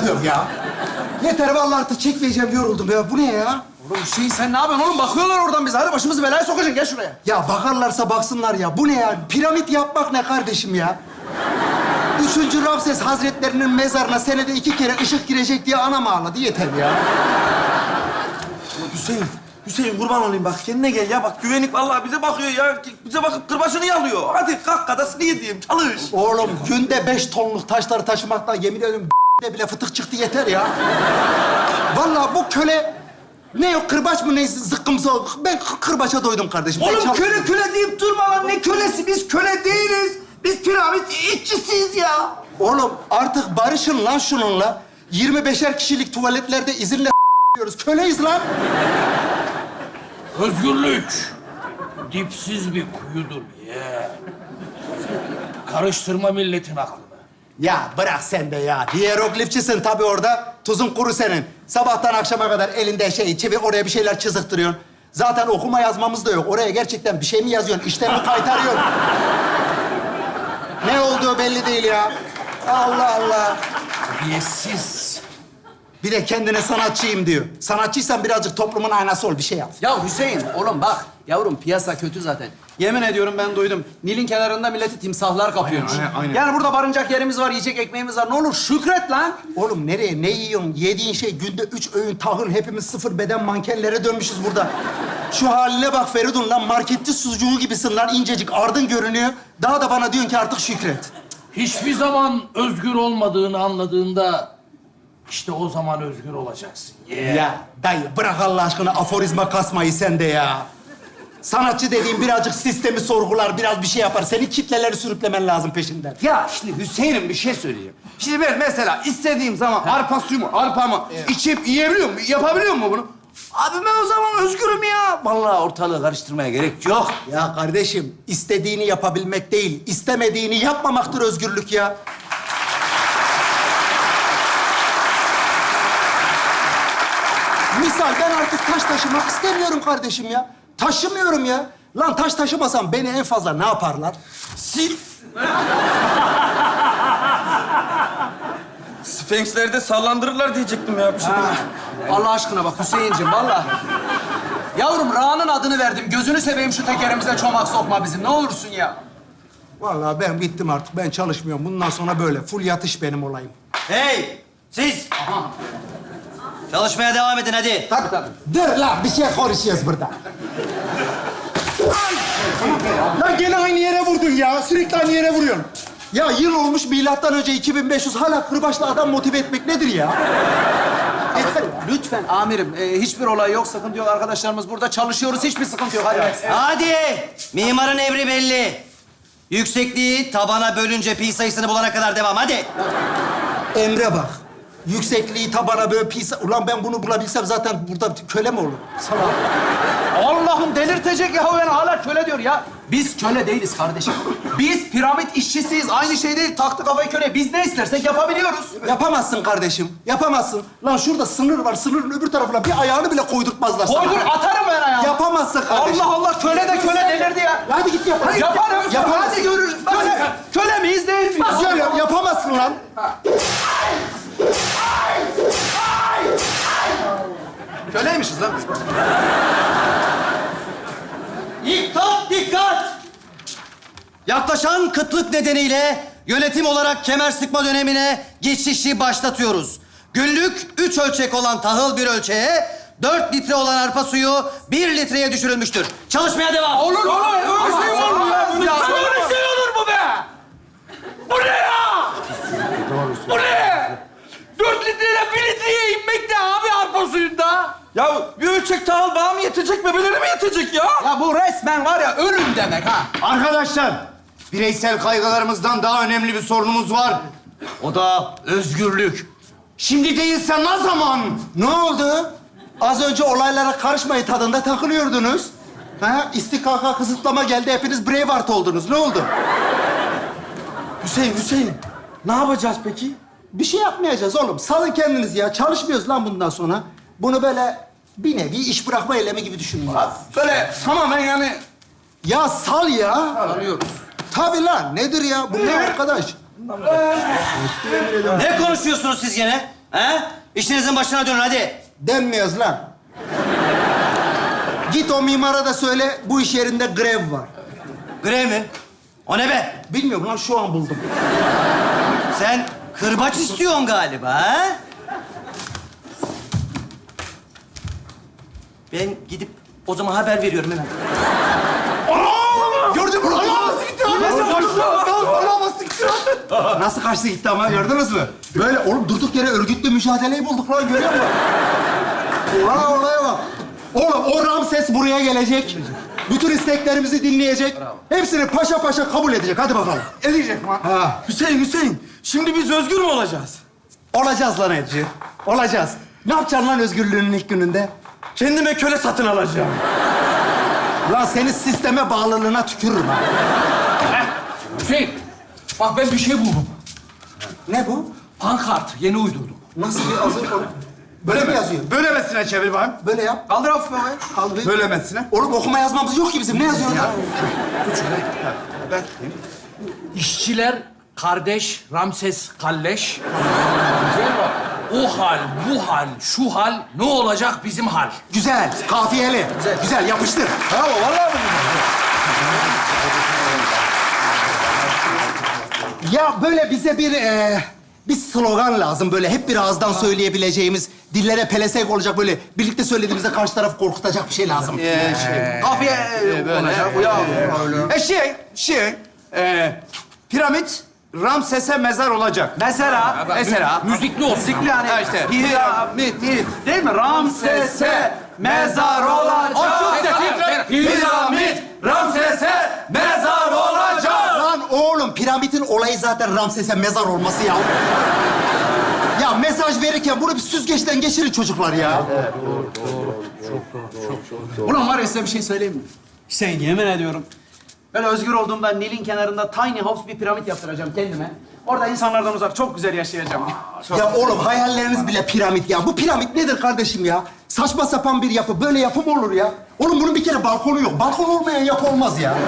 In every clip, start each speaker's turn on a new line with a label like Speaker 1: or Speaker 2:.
Speaker 1: çıkıyorum ya. Yeter vallahi artık çekmeyeceğim, yoruldum ya. Bu ne ya?
Speaker 2: Oğlum Hüseyin sen ne yapıyorsun oğlum? Bakıyorlar oradan bize. Hadi başımızı belaya sokacaksın. Gel şuraya.
Speaker 1: Ya bakarlarsa baksınlar ya. Bu ne ya? Piramit yapmak ne kardeşim ya? 3. Ramses Hazretlerinin mezarına senede 2 kere ışık girecek diye anam ağladı. Yeter ya.
Speaker 3: Hüseyin kurban olayım bak kendine gel ya. Bak güvenlik vallahi bize bakıyor ya. Bize bakıp kırbaçını yalıyor. Hadi kalk kadasını yediğim çalış.
Speaker 1: Oğlum günde 5 tonluk taşları taşımaktan yemin ediyorum de bile fıtık çıktı yeter ya. Vallahi bu köle ne o kırbaç mı ne zıkkımsa ben kırbaça doydum kardeşim. Ben
Speaker 3: Oğlum
Speaker 1: çal-
Speaker 3: köle deyip durma lan. Ne kölesi? Biz köle değiliz. Biz piramit işçisiyiz ya.
Speaker 1: Oğlum artık barışın lan şununla. 25'er kişilik tuvaletlerde izinle diyoruz. Köleyiz lan.
Speaker 4: Özgürlük dipsiz bir kuyudur ya. Karıştırma milletin aklını.
Speaker 1: Ya bırak sen de ya. Hieroglifçisin tabii orada. Tuzun kuru senin. Sabahtan akşama kadar elinde çevir oraya bir şeyler çiziktiriyorsun. Zaten okuma yazmamız da yok. Oraya gerçekten bir şey mi yazıyorsun? İşten mi kaytarıyorsun? Ne olduğu belli değil ya. Allah Allah.
Speaker 4: Terbiyesiz.
Speaker 1: Bir de kendine sanatçıyım diyor. Sanatçıysan birazcık toplumun aynası ol, bir şey yap.
Speaker 2: Ya Hüseyin oğlum bak. Yavrum piyasa kötü zaten. Yemin ediyorum ben duydum. Nil'in kenarında milleti timsahlar kapıyormuş.
Speaker 1: Aynen.
Speaker 2: Yani burada barınacak yerimiz var, yiyecek ekmeğimiz var. Ne olur şükret lan.
Speaker 1: Oğlum nereye, ne yiyorsun? Yediğin şey günde 3 öğün tahıl. Hepimiz sıfır beden mankenlere dönmüşüz burada. Şu haline bak Feridun lan. Marketçi sucuğu gibisin lan. İncecik, ardın görünüyor. Daha da bana diyorsun ki artık şükret.
Speaker 4: Hiçbir zaman özgür olmadığını anladığında işte o zaman özgür olacaksın.
Speaker 1: Ya dayı bırak Allah aşkına aforizma kasmayı sen de ya. Sanatçı dediğin birazcık sistemi sorgular, biraz bir şey yapar. Senin kitleleri sürüklemen lazım peşinden.
Speaker 3: Ya şimdi Hüseyin'im bir şey söyleyeceğim. Şimdi ben mesela istediğim zaman arpamı içip yiyebiliyor muyum? Yapabiliyor muyum bunu? Abi ben o zaman özgürüm ya. Vallahi ortalığı karıştırmaya gerek yok.
Speaker 1: Ya kardeşim, istediğini yapabilmek değil, istemediğini yapmamaktır özgürlük ya. Misal ben artık taş taşımak istemiyorum kardeşim ya. Taşımıyorum ya. Lan taş taşımasam beni en fazla ne yaparlar?
Speaker 3: Sil. Sfenxlerde sallandırırlar diyecektim ya. Bir şey demedim.
Speaker 2: Allah aşkına bak Hüseyin'cim vallahi. Yavrum Ra'nın adını verdim. Gözünü seveyim şu tekerimize çomak sokma bizim. Ne olursun ya.
Speaker 1: Vallahi ben bittim artık. Ben çalışmıyorum. Bundan sonra böyle. Full yatış benim olayım.
Speaker 5: Hey! Siz! Çalışmaya devam edin hadi.
Speaker 2: Tabii.
Speaker 1: Dur lan, bir şey konuşuyoruz burada. Lan gene aynı yere vurdun ya. Sürekli aynı yere vuruyorsun. Ya yıl olmuş milattan önce 2500. Hala kırbaçla adam motive etmek nedir ya? Yeter ya.
Speaker 2: Lütfen amirim. Hiçbir olay yok. Sıkıntı yok. Arkadaşlarımız burada çalışıyoruz. Hiçbir sıkıntı yok. Hadi.
Speaker 5: Hadi! Mimarın emri belli. Yüksekliği tabana bölünce pi sayısını bulana kadar devam. Hadi!
Speaker 1: Emre bak. Yüksekliği tabana böyle pis... Ulan ben bunu bulabilsem zaten burada köle mi olurum? Salak.
Speaker 2: Allah'ım delirtecek ya. Ben hala köle diyor ya. Biz köle değiliz kardeşim. Biz piramit işçisiyiz. Aynı şey değil. Taktı kafayı köle. Biz ne istersek yapabiliyoruz.
Speaker 1: Yapamazsın kardeşim. Yapamazsın. Lan şurada sınır var. Sınırın öbür tarafına bir ayağını bile koydurtmazlar sana.
Speaker 2: Koydur atarım ben ayağımı.
Speaker 1: Yapamazsın kardeşim.
Speaker 2: Allah Allah köle de köle delirdi ya.
Speaker 1: Hadi git yap. Hadi.
Speaker 2: Yaparım.
Speaker 1: Yapamazsın.
Speaker 2: Hadi görürüz. Köle miyiz değil miyiz?
Speaker 1: Güzel yap. Yapamazsın lan.
Speaker 2: Köleymişiz lan biz.
Speaker 5: Dikkat, dikkat! Yaklaşan kıtlık nedeniyle yönetim olarak kemer sıkma dönemine geçişi başlatıyoruz. Günlük 3 ölçek olan tahıl bir ölçeğe, 4 litre olan arpa suyu 1 litreye düşürülmüştür. Çalışmaya devam.
Speaker 2: Olur. Öyle şey olur mu ya?
Speaker 4: Böyle şey olur mu be? Bu ne ya? Bu ne? 4 litreyle 1 litreye inmek ne abi arpa suyunda?
Speaker 3: Ya bir ölçek tahıl bana mı yetecek, bebelere mi yetecek ya?
Speaker 2: Ya bu resmen var ya ölüm demek ha.
Speaker 6: Arkadaşlar, bireysel kaygılarımızdan daha önemli bir sorunumuz var. O da özgürlük. Şimdi değilse ne zaman?
Speaker 1: Ne oldu? Az önce olaylara karışmayı tadında takılıyordunuz. Ha? İstikaka kısıtlama geldi. Hepiniz Braveheart oldunuz. Ne oldu?
Speaker 3: Hüseyin. Ne yapacağız peki?
Speaker 1: Bir şey yapmayacağız oğlum. Salın kendinizi ya. Çalışmıyoruz lan bundan sonra. Bunu böyle bir nevi iş bırakma eylemi gibi düşünün.
Speaker 3: Böyle tamamen yani...
Speaker 1: Ya sal ya.
Speaker 2: Alıyoruz.
Speaker 1: Tabii lan. Nedir ya? Bu ne arkadaş?
Speaker 5: Ne konuşuyorsunuz siz gene? He? İşinizin başına dönün hadi.
Speaker 1: Denmiyoruz lan. Git o mimara da söyle, bu iş yerinde grev var.
Speaker 5: Grev mi? O ne be?
Speaker 1: Bilmiyorum lan, şu an buldum.
Speaker 5: Sen kırbaç istiyorsun galiba, ha? Ben gidip o zaman haber veriyorum hemen.
Speaker 1: Gördün mü? Nasıl kaçtı gitti ama, gördünüz mü? Böyle oğlum durduk yere örgütlü mücadeleyi bulduk lan, görüyor musun? Ulan olaya bak. Oğlum o Ramses buraya gelecek. Bütün isteklerimizi dinleyecek. Hepsini paşa paşa kabul edecek. Hadi bakalım.
Speaker 6: Edecek mi?
Speaker 1: Ha.
Speaker 6: Hüseyin. Şimdi biz özgür mü olacağız?
Speaker 1: Olacağız lan Edci. Olacağız. Ne yapacaksın lan özgürlüğünün ilk gününde?
Speaker 6: Kendime köle satın alacağım.
Speaker 1: Lan senin sisteme bağlılığına tükürürüm ha.
Speaker 4: Hüseyin, bak ben bir şey buldum.
Speaker 1: Ne bu?
Speaker 4: Pankart, yeni uydurdum.
Speaker 1: Nasıl bir hazır konu? Böyle mi yazıyor?
Speaker 6: Böylemesine çevir bakayım.
Speaker 1: Böyle yap.
Speaker 2: Kaldır hafif havaya.
Speaker 1: Al bir.
Speaker 6: Böylemesine.
Speaker 1: Oğlum okuma yazmamız yok ki bizim. Ne yazıyor ya?
Speaker 4: İşçiler, kardeş, Ramses, kalleş. Güzel bak. O hal, bu hal, şu hal, ne olacak bizim hal?
Speaker 1: Güzel. Kafiyeli. Güzel. Yapıştır.
Speaker 2: Bravo, vallahi mi?
Speaker 1: Ya böyle bize bir slogan lazım. Böyle hep bir ağızdan söyleyebileceğimiz, dillere pelesenk olacak, böyle birlikte söylediğimizde karşı tarafı korkutacak bir şey lazım.
Speaker 2: Kafiye olacak.
Speaker 6: Piramit Ramses'e mezar olacak.
Speaker 2: Mesela.
Speaker 6: Mesela.
Speaker 4: Müzikli olsun.
Speaker 2: Müzikli hani.
Speaker 6: Ha işte.
Speaker 2: Piramit. Değil mi? Ramses'e mezar olacak.
Speaker 6: Piramit Ramses'e mezar olacak.
Speaker 1: Lan oğlum, piramidin olayı zaten Ramses'e mezar olması ya. Ya mesaj verirken bunu bir süzgeçten geçirin çocuklar ya.
Speaker 2: Ulan var ya, size bir şey söyleyeyim mi? Hüseyin, yemin ediyorum. Ben özgür olduğumda Nil'in kenarında tiny house bir piramit yaptıracağım kendime. Orada insanlardan uzak çok güzel yaşayacağım.
Speaker 1: Ya oğlum, hayalleriniz bile piramit ya. Bu piramit nedir kardeşim ya? Saçma sapan bir yapı. Böyle yapı mı olur ya? Oğlum bunun bir kere balkonu yok. Balkon olmayan yapı olmaz ya.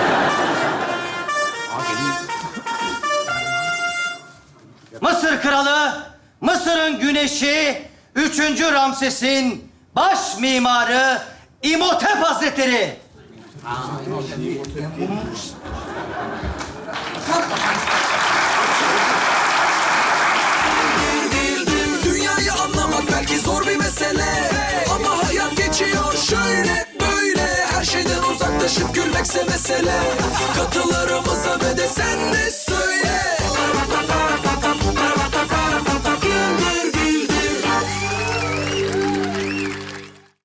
Speaker 5: Mısır kralı, Mısır'ın güneşi, 3. Ramses'in baş mimarı İmhotep Hazretleri.
Speaker 7: Dünyayı anlamak belki zor bir mesele, ama hayat geçiyor şöyle böyle. Her şeyden uzaklaşıp gülmekse mesele.